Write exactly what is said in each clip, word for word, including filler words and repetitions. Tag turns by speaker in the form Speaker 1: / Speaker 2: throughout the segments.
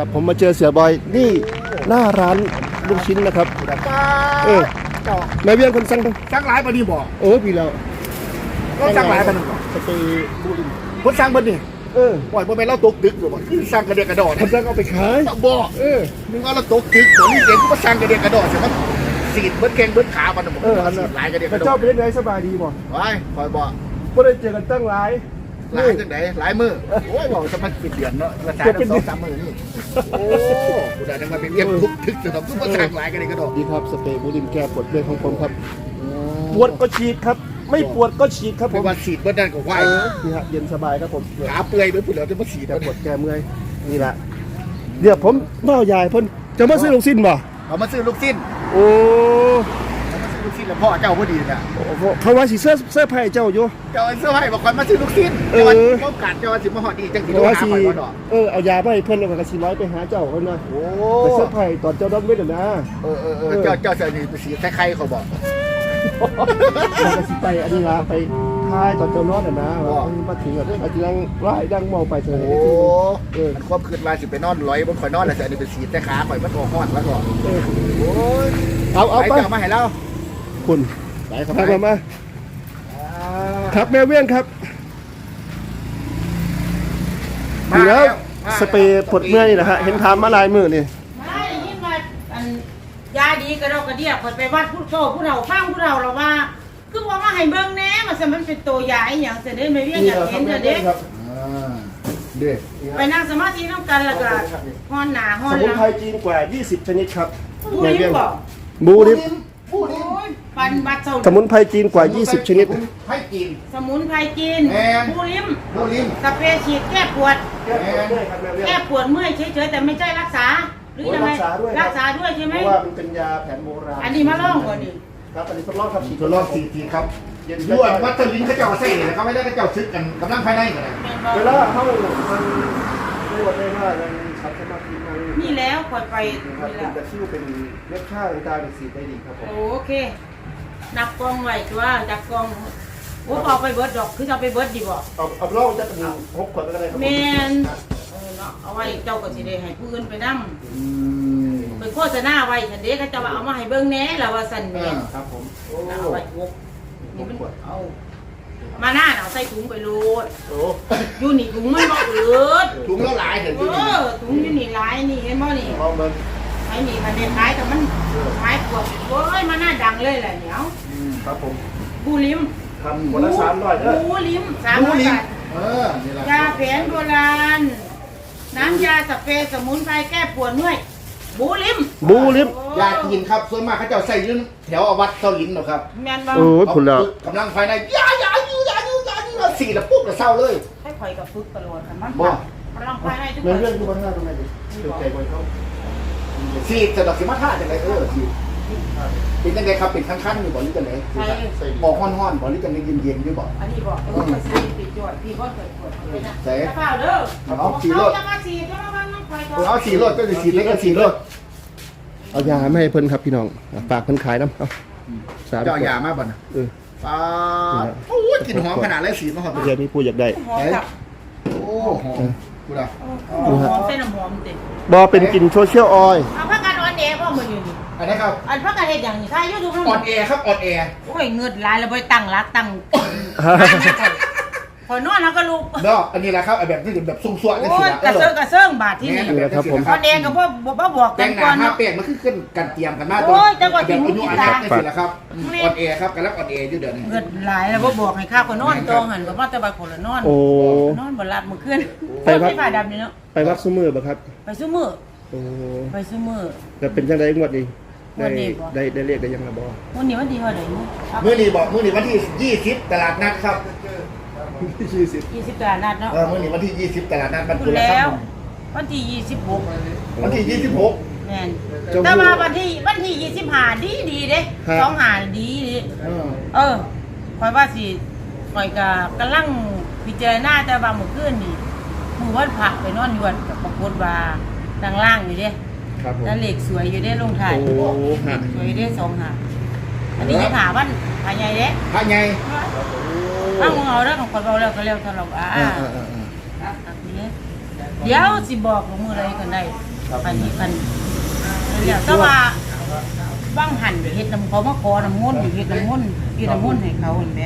Speaker 1: ครับผมมาเจอเสือบอยนี่หน้าร้านลูกชิ้นนะครับเออแม่เวียนคนสั่ง
Speaker 2: สั่งหลายปะนี่บอก
Speaker 1: เออพี่แล้ว
Speaker 2: ก็สั่งหลายปะนี่บอก
Speaker 1: สเปรย์บูริน
Speaker 2: คนสั่งปะนี่
Speaker 1: เออ
Speaker 2: ปล่อยพอไปเล่าตกดึกหรือเปล่าสั่งกระเดียกระดอ
Speaker 1: คนสั่งเอาไปขาย
Speaker 2: บอกเออมึงว่าเราตกดึกตัวนี้เด็กก็มาสั่งกระเดียกระดอใช่ไหมสีดเบิดแข้งเบิดขามันบอก
Speaker 1: เออสีด
Speaker 2: หลายกระเดียกระดอ
Speaker 1: เจ้าเป็นไงสบายดีบ่
Speaker 2: ไว้คอยบอก
Speaker 1: ก็ได้เจอกันตั้งหลาย
Speaker 2: หลายจังไหนหลายมือโอ้ยบอกจะมาปิดเดือนเนาะราคาต้องสองสามมือนี่โอ้กูได้ทั้งมาเป็นเรียกทุกทึกจะทำทุกมาสั่งหลายกระเดียกระดอ
Speaker 1: ดีครับสเปรย์บูรินแก้ปวดเมื่อยของผมครับปวดก็ฉีดครับไม่ปวดก็ฉีดครับผม
Speaker 2: ว่าฉีดเบิดนั่นก็ไหว
Speaker 1: นี่ฮะเย็นสบายครับผม
Speaker 2: ขาเปื่อยเบิดเปื่อยจะมาฉีด
Speaker 1: ปวดแก้เมื่อยนี่แหละเดี๋ยวผมเล่าใหญ่พ่นจะมาซื้อลูกชิ้นบ่
Speaker 2: เขามาซื้อลูกชิ้น
Speaker 1: โอ้
Speaker 2: เขามาซื้อลูกชิ้นแล้วพ่อเจ้าพอดีนะ
Speaker 1: เขาว่าสิเสื้อเสื้อไผ่เจ้าอยู่
Speaker 2: เจ้าเสื้อไผ่บอกคนมาซื้อลูกชิ้นเออเขากัดเจ้าสิมาหอดีจังสิโดนหาไปก่อน
Speaker 1: เออเอายาไปเพิ่นแล้วก็สิร้อยไปหาเจ้าเพิ่นนะ
Speaker 2: โอ้
Speaker 1: ไปเสื้อไผ่ตอนเจ้าดอนเวทนะ
Speaker 2: เออเออเออเจ้าเจ้าเสื้อนี่สีใครๆเขาบอก
Speaker 1: แล้วก็สิไปอันนี้ละไปท้ายตอนเจ้านอนน่ะนะมาถึงอ่ะอาจจะนั่งไล่ดังมองไปเถอะ
Speaker 2: โอ้เออความคืนมาสิไปนอนร้อยบนข่อยนอนแล้วแต่อันนี้เป็นสีแต่ขาข่อยมันตัวห้อนแล้วก็โอ้ย
Speaker 1: เอาเอาไป
Speaker 2: เจ้ามาให้เรา
Speaker 1: คุณไปครับมามาครับแม่เวียงครับดีแล้วสเปรย์ปวดเมื่อยนะฮะเห็นทำมาลายมือนี่
Speaker 3: ไม่ยิ่งมาอันยาดีกระดกกระเดียกไปวัดผู้โตผู้เราฟังผู้เราเราว่าคือว่ามาให้เบิ่งแน่มาสมันเป็นตัวยาอย่างเสด็จไม่เวียงอยากเห็นเสด็จ
Speaker 2: เด็ก
Speaker 3: ไปนั่งสมาธิน้ำกันแล้วก็ห้อนหนาห้อนหลัง
Speaker 1: สมุนไพรจีนกว่ายี่สิบชนิดครับ
Speaker 3: บูริมบอก
Speaker 1: บูริม
Speaker 2: บูริม
Speaker 3: ปันบัดเสา
Speaker 1: สมุนไพรจีนกว่ายี่สิบชนิด
Speaker 2: ไพรจีน
Speaker 3: สมุนไพรจีนบูริม
Speaker 2: บูริม
Speaker 3: สเปรย์ฉีดแก้ปวดแก้ปวดเมื่อยเฉยๆแต่ไม่ใช่รักษาหรือยังไงรักษาด้วยใช่ไหม
Speaker 1: เพราะว่ามันเป็นยาแผนโบราณ
Speaker 3: อันนี้มาล่องก่อนดิ
Speaker 1: ครับอันนี้ทดลองครับฉีด
Speaker 2: ทดลองฉีดทีครับย้วนวัตถุลินเขาเจ้าเซ่เนี่ยเขาไม่ได้เขาเจ้าซึกกันกำลังภายในกันเลย
Speaker 1: เวลาเขามันไม่ว่าได้ว่ามันชัดสมาธิมัน
Speaker 3: นี่แล้วคอยไป
Speaker 1: ครับเป็นตะคิวเป็นเล็บข้าวตาเป็นสีได้ดีครับผม
Speaker 3: โอเคนับกองไว้ตัวจับกองโอ้เอาไปเบิร์ดดอกคือจะไปเบิร์ดดีบ่
Speaker 1: เอาเอาล่องจะเป็นหกขวดก็ได้ครับ
Speaker 3: แมนเอาไว้เจ้าก็สิได้ให้ผู้อื่นไปนั่งไปโฆษณาไว้ฉันเด็กเขาจะมาเอามาให้เบิ้งแน่แล้วว่าสันแม่
Speaker 1: ครับผม
Speaker 3: เอาไว้หกนี่มันเอามาหน้าเอาใส่ถุงไปโลดอยู่นี่ถุงมันบ่เอืด
Speaker 2: ถุงแล้วหลายเห็น
Speaker 3: เออถุงอยู่นี่หลายนี่เห็นบ่นี่ไอ้นี่มันเด็ดหลายแต่มันไม้ปวดโอ้ยมาหน้าดังเลยแหละเหนียว
Speaker 1: ครับผม
Speaker 3: บูริม
Speaker 1: ทำคนละสามร้อยเด้อ
Speaker 3: บูริมสามร้อยบาท
Speaker 2: เออย
Speaker 3: าแผนโบราณน้ำยาสเปรย์สมุนไพรแก้ปวดเมื่อยบูริม
Speaker 1: บูริม
Speaker 2: ยาจีนครับส่วนมากเขาจะใส่ยืนแถววัดเสาหลินหรอครับ
Speaker 3: แม่นบ้าง
Speaker 1: โอ้ยผลแล้ว
Speaker 2: กำลังภายในยายาอยู่ยาอยู่ยาอยู่สี่แล้วปุ๊บแล้วเศร้าเลย
Speaker 3: ให้คอยกับฝึกตลอดกันมั้งบ่กำลังภายในทุกคน
Speaker 1: เรื่องทุกคนท่าตรงไหนดิเป็นใจบอยเขา
Speaker 2: สี่จะดอกสีมาท่าจังไรเออสี่เป็นยังไงครับเป็นขั้นๆอยู่บ่หรือจังไรบอกห้อนๆบ่หรือจังไรเย็นๆอยู่บ่
Speaker 3: อันนี้บอกเออใส่ปิดจอดพี่ก็เกิดปวดเลยนะ
Speaker 2: ใส่
Speaker 3: กระเป๋าเด้อ
Speaker 2: เอาสี่รถ
Speaker 3: จะมาสี่ก็มาน้องคอย
Speaker 2: ก่อนเอาสี่รถก็จะสี่เล็กก็สี่รถ
Speaker 1: เอายาไม่ให้เพิ่นครับพี่น้องฝากเพิ่นขายน้ำเอา
Speaker 2: สามเจ้ายามาบ่นะ
Speaker 1: เออ
Speaker 2: ปลาโอ้ยกลิ่นหอมขนาดไรสีมาหอม
Speaker 1: เดี๋ยวมีผู้อยากได้
Speaker 2: โอ้หอมกูด่า
Speaker 3: หอมเส้นน้ำหอมติ
Speaker 1: บอเป็นกลิ่นโซเชียลออยล์
Speaker 3: เอาพักกันออนแอร์พ่อมืออยู่นี่
Speaker 2: อันนี้ครับ
Speaker 3: อันพักกันเห็ดอย่างนี้ถ้ายูทูบ
Speaker 2: ออนแอร์ครับออนแอร์
Speaker 3: โอ้ยเงินลายแล้วไปตั้งรักตั้งพอนอนแล้วก็ลุก
Speaker 2: เนาะอันนี้แหละครับแบบนี้แบบซุ่มซ่วนี่
Speaker 3: สิกระเซิงกระเซิงบาทที่นี่
Speaker 1: ครับผม
Speaker 3: ออนแอร์กับพ่อบอกบอก
Speaker 2: กันก่อนเนาะเปลี่ยนมันคือขึ้นกันเตรียมกันมาก
Speaker 3: โอ้ยจังหวะที่
Speaker 2: มุกตานี่สิละครับออนแอร์ครับกันแล้วออนแอร์อยู่เดือนนี้
Speaker 3: เงินหลายแล้วบอกให้ข้าวคนนอนจองหันกับว่าแต่บางคนละนอนนอนบนลาดมือขึ้นไปวัดฝ่ายดำนี่เนาะ
Speaker 1: ไปวัดซุ้มมือบ่ครับ
Speaker 3: ไปซุ้มมือไปซุ้มมือ
Speaker 1: แต่เป็นจังไดงวดนี้ได้ได้ได้เรียกได้ยังระบอ
Speaker 3: วันนี้วันที่เท่าไหร่เนี่ย
Speaker 2: มื้อนี้บอกมื้อนี้วันที่ยี่สิบตลาดนัดครับ
Speaker 1: ยี่สิบ
Speaker 3: ยี่สิบตลาดนัดเนาะ
Speaker 2: เออมื้อนี้วันที่ยี่สิบตลาดนัดมัน
Speaker 3: คุณแล้ววันที่ยี่สิบหก
Speaker 2: วันที่ยี่สิบหก
Speaker 3: แม่นแต่ว่าวันที่วันที่ยี่สิบห้าดีดีเด้สองหาดีดีเออคอยว่าสิคอยกับกำลังพิจารณาแต่ว่าเมื่อคืนนี่มือวันผักไปนอนยวนกับปรากฏว่าทางล่างอยู่เด้แล้วเหล็กสวยอยู่ได้ลงถ่ายสวยได้สองหาอันนี้จะถามว่าผาใหญ่เด้
Speaker 2: ผาใหญ่
Speaker 3: ถ้ามึงเอาแล้วของคนเราแล้วก็เร็วทะเลาะอ่ะเดี๋ยวสิบอกของมืออะไรกันได้อันนี้กันเดี๋ยวแต่ว่าว่างหันเฮ็ดน้ำเขามาขอน้ำมนต์เฮ็ดน้ำมนต์เฮ็ดน้ำมนต์ให้เขาเห็นไหม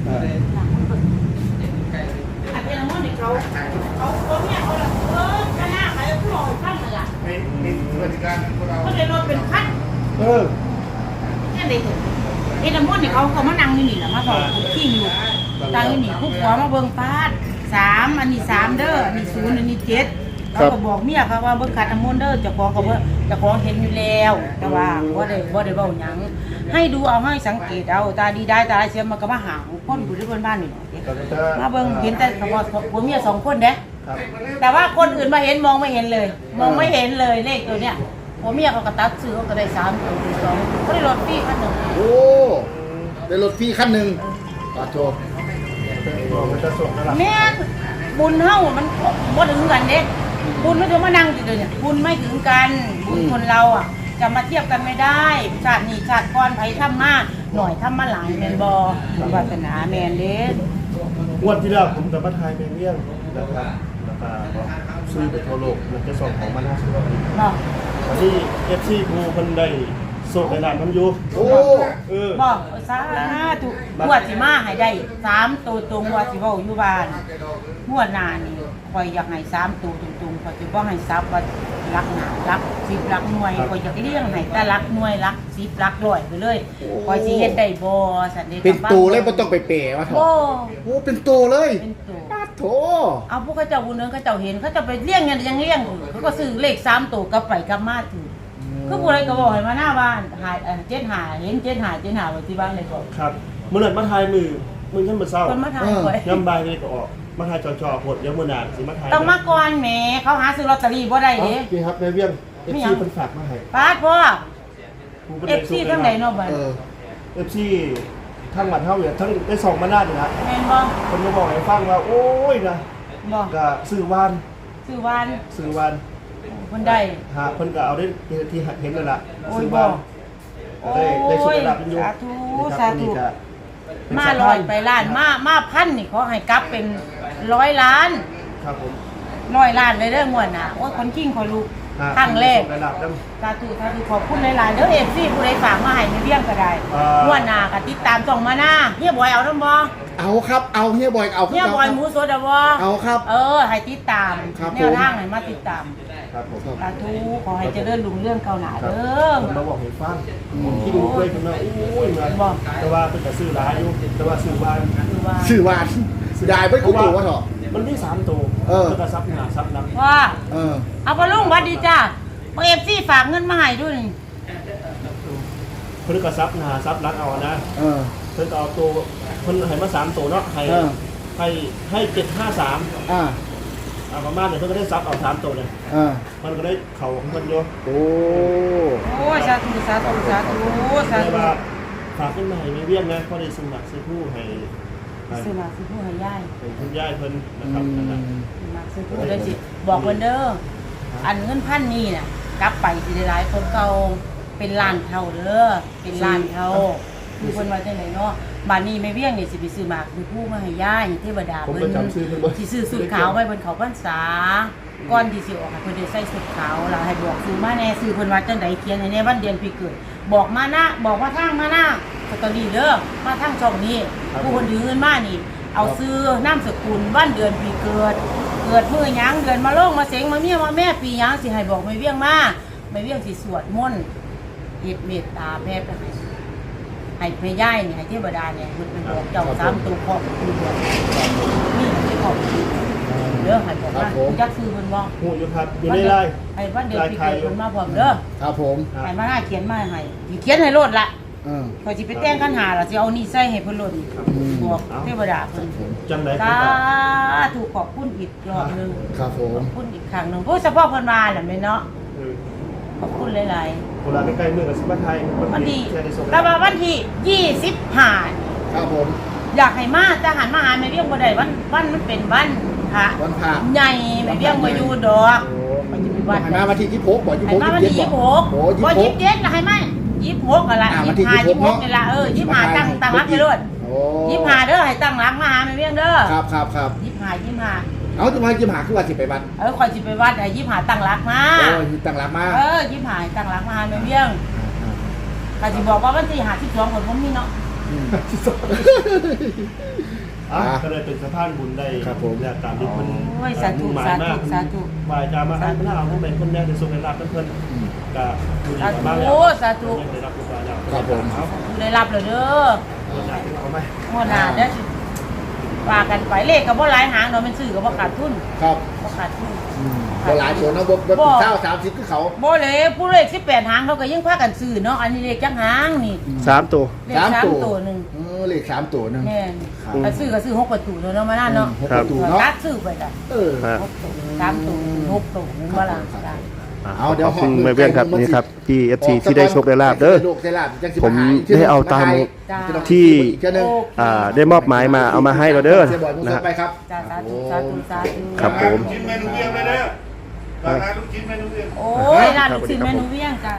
Speaker 3: อันเป็นน้ำมนต์ให้เขาเขาเขาเนี่ยเขาเออคณะใครผู้หล่อข้างเลยล่ะ
Speaker 2: เป็นเป็นบริการของเรา
Speaker 3: เขาเลยรถเป็นคัน
Speaker 1: เออ
Speaker 3: นี่เลยเฮ็ดน้ำมนต์ให้เขาเขามานั่งอยู่นี่แหละมาบอกที่อยู่ตั้งอยู่นี่ผู้ผัวมาเบิ่งฟาดสามอันนี้สามเด้ออันนี้ศูนย์อันนี้เจ็ดเขาก็บอกเมียเขาว่าเบิ่งขัดน้ำมนต์เด้อเจ้าของเขาว่าเจ้าของเห็นอยู่แล้วแต่ว่าบ่ได้บ่ได้เว้าหยังให้ดูเอาให้สังเกตเอาตาดีได้ตาร้ายเสียมันก็มาหาคนอยู่ที่บ้านนี่มาเบิ่งเห็นแต่เขาว่าผัวเมียสองคนเด้แต่ว่าคนอื่นมาเห็นมองไม่เห็นเลย มองไม่เห็นเลยเลขตัวเนี้ยผัวเมียเขาก็ตัดซื้อเขาก็ได้สามตัวสองก็ได้รถฟรีคันหนึง
Speaker 2: โอ้ได้รถฟรีคันหนึ่งขอโทษ
Speaker 1: มันจะส่งนั่นแหละ
Speaker 3: แม่นบุญเฮามันบ่ถึงกันเด้บุญไม่ถึงมานั่งอยู่เดี๋ยวนี้บุญไม่ถึงกันบุญคนเราอ่ะจะมาเทียบกันไม่ได้ชาตินี้ชาติก่อนไผทำมาหน่อยทำมาหลายแม่นบ่วาสนาแม่นเด้
Speaker 1: งวดที่แล้วผมกับป้าไทยเป็นเรื่องนะครับราคาซื้อไปทั่วโลกมันจะส่งของมันห้าสิบกว่าปี
Speaker 3: เนาะ
Speaker 1: ตอนนี้เอฟซีภูเพิ่นได้โซ่ในร้านมันอยู่
Speaker 2: โอ้
Speaker 1: เออ
Speaker 3: บ่สาธุงวดสิมาให้ได้สามตัวตรงว่าสิเว้าอยู่บ้านงวดหน้านี่ข่อยอยากให้สามตัวตรงๆข่อยสิบ่ให้ซับว่ารักหนารักสิบรักหน่วยข่อยอยากเลี้ยงให้แต่รักหน่วยรักสิบรักร้อยไปเลยข่อยสิเฮ็ดได้บ่ซั่นเด้
Speaker 2: เป็นตัวเลยไม่ต้องไปเป๋มาเถ
Speaker 3: โอ้
Speaker 2: อะโอ้เป็นตัวเลย
Speaker 3: เป็นตัว
Speaker 2: ปาโถ
Speaker 3: เอาพวกเขาเจ้าบุญเนืองเขาเจ้าเห็นเขาเจะไปเลี้ยงเงินยังเลี้ยงอยู่เขาก็ซื้อเลขสามตัวกลับไปกลับมาถือคือผู้ใดก็บอกให้มาหน้าบ้านหายเอ่อเจ็ดหาเห็นเจ็ดหาเจ็ดหาไว้ที่บ้านเลยบอก
Speaker 1: ครับเมื่อนั้นมาทายมือมือขึ้นมาเศร้า
Speaker 3: คนมาทายหวย
Speaker 1: ย่ำบายเลยก็ออกมาทายจอๆหดเดี๋ยวมือหนาสิมาทาย
Speaker 3: ต้องมาก่อนแหมเขาหาซื้อลอตเตอรี่บ่ได้
Speaker 1: เอา
Speaker 3: เด้
Speaker 1: พี่ครับในเวียงเอฟ
Speaker 3: ไม่
Speaker 1: ซี
Speaker 3: เอา
Speaker 1: เพิ่นฝากมาให้
Speaker 3: ป้าดพ่อ
Speaker 1: ผมพิ่น
Speaker 3: เอ
Speaker 1: ได้
Speaker 3: ฟซีทั้งไหนเนาะบัด
Speaker 2: เออ
Speaker 1: เอฟซีทั้งหมัดเท่าเนี่ยทั้งได้สองมาหน้านี่ละ
Speaker 3: แม่นบ่
Speaker 1: คนก็บอกให้ฟังว่าโอ้ยนะ
Speaker 3: บ่
Speaker 1: ก็ซื้อวาน
Speaker 3: ซื้อวาน
Speaker 1: ซื้อวาน
Speaker 3: คนใด
Speaker 1: หาเพิ่นก็เอาได้ที่เห็นนั่นล่ะ
Speaker 3: โอ้ย
Speaker 1: ซื้อ
Speaker 3: บ่
Speaker 1: วาน
Speaker 3: โอ้
Speaker 1: ได้ได้สุด
Speaker 3: ย
Speaker 1: ระดับเป็นอยู่
Speaker 3: สาธุ
Speaker 1: นี่ครับ
Speaker 3: สาธุ
Speaker 1: นี่ก็เป็น
Speaker 3: มา
Speaker 1: สะพน
Speaker 3: ลอยไปล้านมามาพันนี่ขอให้กลับเป็นร้อยล้าน
Speaker 1: ครับผม
Speaker 3: ร้อยล้านเลยเด้องวดน่ะโอ้ยคนกิ้งคนลูก
Speaker 1: หา
Speaker 3: ครั้งแรก
Speaker 1: ระดับนั้น
Speaker 3: สาธุสาธุขอบคุณหลายๆเด้อเอฟซีผู้ใดฝากมาให้ในเรื่องก็ได้
Speaker 1: อ่า
Speaker 3: งวดหน้าก็ติดตามส่งมาหน้าเฮียบอยเอาน้ำบ่
Speaker 2: เอาครับเอาเฮียบอยเอา
Speaker 3: เฮียบอยหมูสดเอาบ่
Speaker 2: เอาครับ
Speaker 3: เออให้ติดตาม
Speaker 2: ครับ
Speaker 3: แนวทางให้มาติดตาม
Speaker 1: ครับผม
Speaker 3: สาธุขอให้เจริญรุ่งเรื่องเก่าหน้า
Speaker 1: ครับ
Speaker 3: เด้อ
Speaker 1: ผมมาบอกให้ฟังผมที่ดูด้วยผมว่าโอ้ยมา
Speaker 3: บอก
Speaker 1: แต่ว่าเป็นแต่ซื้อร้ายอยู่แต่ว่าซื้อวาน
Speaker 3: คือว่า
Speaker 2: ชื่อวานยายไม่กูตัววะเถอะ
Speaker 1: มันมีสามตัว
Speaker 2: เออ
Speaker 1: แล้วก็ซับหน้าซับหลัง
Speaker 3: ว่า
Speaker 2: เออ
Speaker 3: เอาบ่ลุงหวัดดีจ้าบ่เอฟซีฝากเงินมาให้ด้วยนี่
Speaker 1: เพิ่นก็ซับหน้าซับหลังเอานะ
Speaker 2: เออ
Speaker 1: เพิ่นก็เอาตัวเพิ่นให้มาสามตัวเนาะให้
Speaker 2: เออ
Speaker 1: ให้ให้เจ็ดห้าสาม
Speaker 2: อ่า
Speaker 1: เอาประมาณเนี่ยเพิ่นก็ได้ซับเอาสามตัวเลย
Speaker 2: อ่า
Speaker 1: มันก็ได้เข่าของเพิ่นอยู่
Speaker 2: โอ้
Speaker 3: โอ้ยสาธุสาธุสาธุสา
Speaker 1: แต่
Speaker 3: ธุ
Speaker 1: ว่าฝากขึ้นมาให้ไม่เวียนนะเพราะได้สมัครซื้อผู้ให้ให้
Speaker 3: ซื้อมาซื้อผู้ให้ยาย
Speaker 1: ให้คุณยายเพิ่นนะ
Speaker 2: อื
Speaker 1: ครับนั่นน่ะ
Speaker 2: ม
Speaker 3: มาซื้อผู้ได้สิบอกเพิ่นเด้ออันเงินพันนี่น่ะกลับไปสิได้หลายคนเก่าเป็นล้านเท่าเด้อเป็นล้านเท่าคือเพิ่นว่าจังไดเนาะบ้านนี้แม่เวียงนี่สิไปซื้อหมากซื้อผู้มาให้ยายเทวดา
Speaker 1: ผม
Speaker 3: เพิ่
Speaker 1: ก็
Speaker 3: น
Speaker 1: จำชื่อเพิ่นบ่
Speaker 3: สิซื้อสุดขาวไว้บนเขาพรรษาก่อนที่สิออกให้เพิ่นได้ใส่สุดขาวล่ะให้บอกซื้อมาแน่ซื้อเพิ่นว่าจังไดเขียนให้แน่วันเดือนปีเกิด บอกมานะบอกว่าทางมานะลอตเตอรี่เด้อมาทางช่องนี้ผู้คนถือเงินมานี่ เอาซื้อนามสกุลวันเดือนปีเกิด เกิดมื้อหยังเดือนมาโลงมาเสงมาเมียมาแม่ปีหยังสิให้บอกไม่เวียงมาไม่เวียงสิสวดมนต์เฮ็ดเมตตาแผ่ไปให้ให้แม่ย่ายนี่ให้เทวดาเนี่ยเพิ่นเป็นบอกเจ้าสามตัวครอบครัวนี่ที่ครอบครัวเด้อให้บอกว่าคุณจักซื้อเพิ่นบ่
Speaker 1: หูอยู่ครับอยู่ในไลน์
Speaker 3: ให้วันเดือนปีเกิดเพิ่นมาพร้อมเด้อ
Speaker 2: ครับผม
Speaker 3: ให้มาหน้าเขียนมาให้สิเขียนให้โลดละ
Speaker 2: เออ
Speaker 3: พอยสิไปแต่งคันหาล่ะสิเอานี่ใส่ให้เพิ่นโลด
Speaker 2: อืม
Speaker 3: บอกเทวดาเพิ่น
Speaker 1: จังได๋
Speaker 3: สาธุขอบคุณอีกรอบหนึง
Speaker 2: ครับผ
Speaker 3: ข
Speaker 2: ม
Speaker 3: อบคุณอีกครั้งหนึงโอ้เฉพาะเพิ่นมาแหละแม่เนาะ
Speaker 1: เออ
Speaker 3: ขอบคุณหลาย
Speaker 1: เวลาใกล้ๆมื้อก็สิมาไทย
Speaker 3: ๆวันที่
Speaker 1: แค่ได้ส่ง
Speaker 3: แต่ว่าวันที่ยี่สิบห้า
Speaker 2: ครับผม
Speaker 3: อยากให้มาแต่หันมาหาแม่เวียงบ่ได้วันวันมันเป็นวันพระ
Speaker 2: วันพระ
Speaker 3: ใหญ่แม่เวียงบ่อยู่ดอก
Speaker 2: โอ้
Speaker 3: มันจะมี
Speaker 2: บอ
Speaker 3: วั
Speaker 2: ก
Speaker 3: น
Speaker 2: ให้มาวันที่ยี่สิบหกบอกยี่
Speaker 3: ให้
Speaker 2: สิบหก
Speaker 3: มาวัน
Speaker 2: ยี่
Speaker 3: ที่
Speaker 2: สิบ
Speaker 3: ยี่
Speaker 2: เจ็ด
Speaker 3: สิบหก
Speaker 2: โอ้ยี่
Speaker 3: บ่
Speaker 2: สิบห
Speaker 3: ยี่
Speaker 2: ก
Speaker 3: สิบเจ็ดล่ะให้มายี่สิบหกก็ละ
Speaker 2: อ่าวั
Speaker 3: ยี่
Speaker 2: น
Speaker 3: สิ
Speaker 2: ที่
Speaker 3: บห้า
Speaker 2: ยี่
Speaker 3: ยี่
Speaker 2: สิ
Speaker 3: สิ
Speaker 2: บบ หก
Speaker 3: หกนี่ล่ะเออยี่สิบห้าตั้งตั้งรักไปโลด
Speaker 2: โอ้
Speaker 3: ยี่สิบห้าเด้อให้ตั้งรักมาหาแม่เวียงเด้อ
Speaker 2: ครับครับครับ
Speaker 3: ยี่สิบห้ายี่สิบห้า
Speaker 2: เอาจะมายิ้มหาคือว่าสิไปวัด
Speaker 3: เออคอยสิไปวัดไอ้ยี่หาตั้งรักมา
Speaker 2: โอ้ยตั้งหลักมา
Speaker 3: เออยี่หาตั้งรักมาไม่เบี้ยงก็สิบอกว่าวันที่หาที่สองคนผมมีเนาะ
Speaker 1: อ่ะก็เลยเป็นสะพานบุญได้
Speaker 2: ครับผม
Speaker 1: เนี่ยตามที่มัน
Speaker 3: โอ้ยสาธุสาธุสาธุ
Speaker 1: วายจามาให้พระเอาผู้เป็นคนแรกในสุขในลาภเพื่อนๆก็ดูดี
Speaker 3: สาธุ
Speaker 1: มากแล้ว
Speaker 3: โอ้สาธุ
Speaker 1: ได้รับผู้บาดเจ็บ
Speaker 2: ครับผม
Speaker 1: เอา
Speaker 3: ได้รับเลยเด้อ
Speaker 1: เอาไหม
Speaker 3: งวดหน้าเด้อสิว่ากันไปเลขก็บ่หลายหางเนาะมันซื้อก็บ่ขาดทุน
Speaker 2: ครับ
Speaker 3: บ่ขาดทุน
Speaker 2: ก็หลายตัวเนาะบ่บ่เป็นเช้าสามสิบคือเขา
Speaker 3: บ่เลยผู้เลขสิบแปดหางเขาก็ยังพากันซื้อเนาะอันนี้เลขจักหางนี่
Speaker 1: สามตัว
Speaker 3: เลขสามตัวหนึง
Speaker 2: เออเลขสามตัวหนึง
Speaker 3: แม่นถ้าซื้อก็ซื้อหกประตูเนาะมานั่นเนาะ
Speaker 2: หกประตูเนาะ
Speaker 3: ตัดซื้อไปจ้ะ
Speaker 2: เออ
Speaker 1: ฮะ
Speaker 3: หกตัวสามตัวหกตัวนึงว่าล่ะจ้ะ
Speaker 2: เอาเดี๋ยว
Speaker 1: ขอบคุณแม่เบี้ยงครับนี่ครับที่ เอฟ ซี ที่ได้โชคได้ลาบเด้อ
Speaker 2: ได้ลาบจังสิ
Speaker 1: ผม
Speaker 2: ห
Speaker 1: ได้เอาตาม
Speaker 3: จ้า
Speaker 1: ที่
Speaker 2: อีกเทื่อหนึ่ง
Speaker 1: อ่าได้มอบหมายมาเอามาให้เราเด้อ
Speaker 2: เสียบอยมุ
Speaker 1: นะ
Speaker 2: ส
Speaker 1: ฮะ
Speaker 2: ไปครับ
Speaker 3: จ้าสาธุสาธุสาธุ
Speaker 1: ครับผม
Speaker 4: กินเมนูเวียงเลยเด้อร้านลูกชิ้นเมนูเวียง
Speaker 3: โอ้ยร้านลูกชิ้นเมนูเวียงจ้ะ